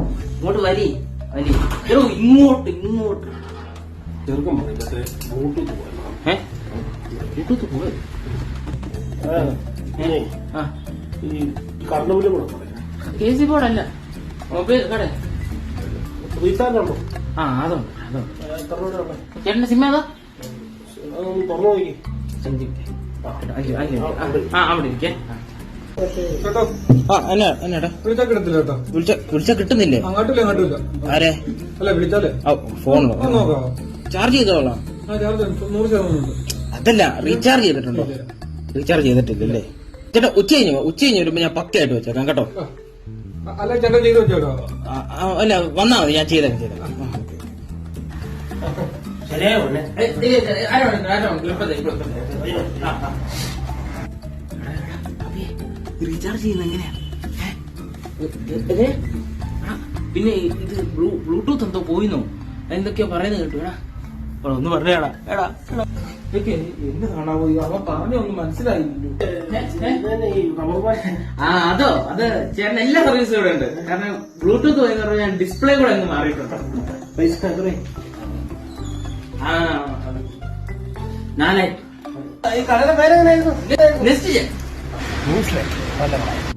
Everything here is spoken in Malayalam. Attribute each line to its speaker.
Speaker 1: ഇങ്ങോട്ട് വലി വലി എടോ ഇങ്ങോട്ട് ഇങ്ങോട്ട്
Speaker 2: ചെറുക്കം പറയില്ലേ ബ്ലൂടൂത്ത് പോയത്
Speaker 1: ബ്ലൂടൂത്ത് പോയത്
Speaker 2: ഈ കറണ്ട് ബില്ല് കൂടെ പറയാം
Speaker 1: KC ബോർഡല്ല മൊബൈൽ കട
Speaker 2: റീചാർജ് ഉണ്ടോ?
Speaker 1: അതുണ്ട് അതുണ്ട്.
Speaker 2: എത്ര രൂപ
Speaker 1: ചേട്ടന്റെ സിം ഏതാ?
Speaker 2: അതൊന്ന് തുറന്നു നോക്കി.
Speaker 1: അവിടെ ഇരിക്കേ. എന്നാടാ വിളിച്ചാ കിട്ടുന്നില്ലേ?
Speaker 2: അങ്ങോട്ടില്ല അങ്ങോട്ടില്ല.
Speaker 1: ആരെ?
Speaker 2: അല്ല വിളിച്ചാലേ
Speaker 1: ഫോണിലോ
Speaker 2: നോക്കാം.
Speaker 1: ചാർജ് ചെയ്തോളാം.
Speaker 2: 100%
Speaker 1: അതല്ല റീചാർജ് ചെയ്തിട്ടുണ്ടോ? റീചാർജ് ചെയ്തിട്ടില്ലല്ലേ? ചേട്ടാ ഉച്ച കഴിഞ്ഞ് വരുമ്പോ ഞാൻ പക്കയായിട്ട് വെച്ചേക്കാം കേട്ടോ.
Speaker 2: അല്ല ചേട്ടൻ ചെയ്ത് വെച്ചോട്ടോ.
Speaker 1: അല്ല വന്നാ മതി, ഞാൻ ചെയ്തേക്കാം. റീചാർജ് ചെയ്യുന്ന എങ്ങനെയാ? പിന്നെ ഇത് ബ്ലൂടൂത്ത് എന്തോ പോയിന്നോ എന്തൊക്കെയോ പറയുന്നത് കേട്ടു. എടാ ഒന്ന് പറഞ്ഞേടാ. എടാ ഇതൊക്കെ എന്നെ കാണാൻ പോയി അവൻ പറഞ്ഞൊന്നും മനസ്സിലായില്ലല്ലോ. അതോ അത് ചേട്ടൻ എല്ലാ സർവീസും ഇവിടെ ഉണ്ട്. കാരണം ബ്ലൂടൂത്ത് പോയി പറഞ്ഞാൽ ഞാൻ ഡിസ്പ്ലേ കൂടെ അങ്ങ് മാറിയിട്ടുണ്ട്. പൈസ എത്രേ? 4000. ഈ കടയുടെ പേരെങ്ങനെയായിരുന്നു? നെസ്റ്റ്.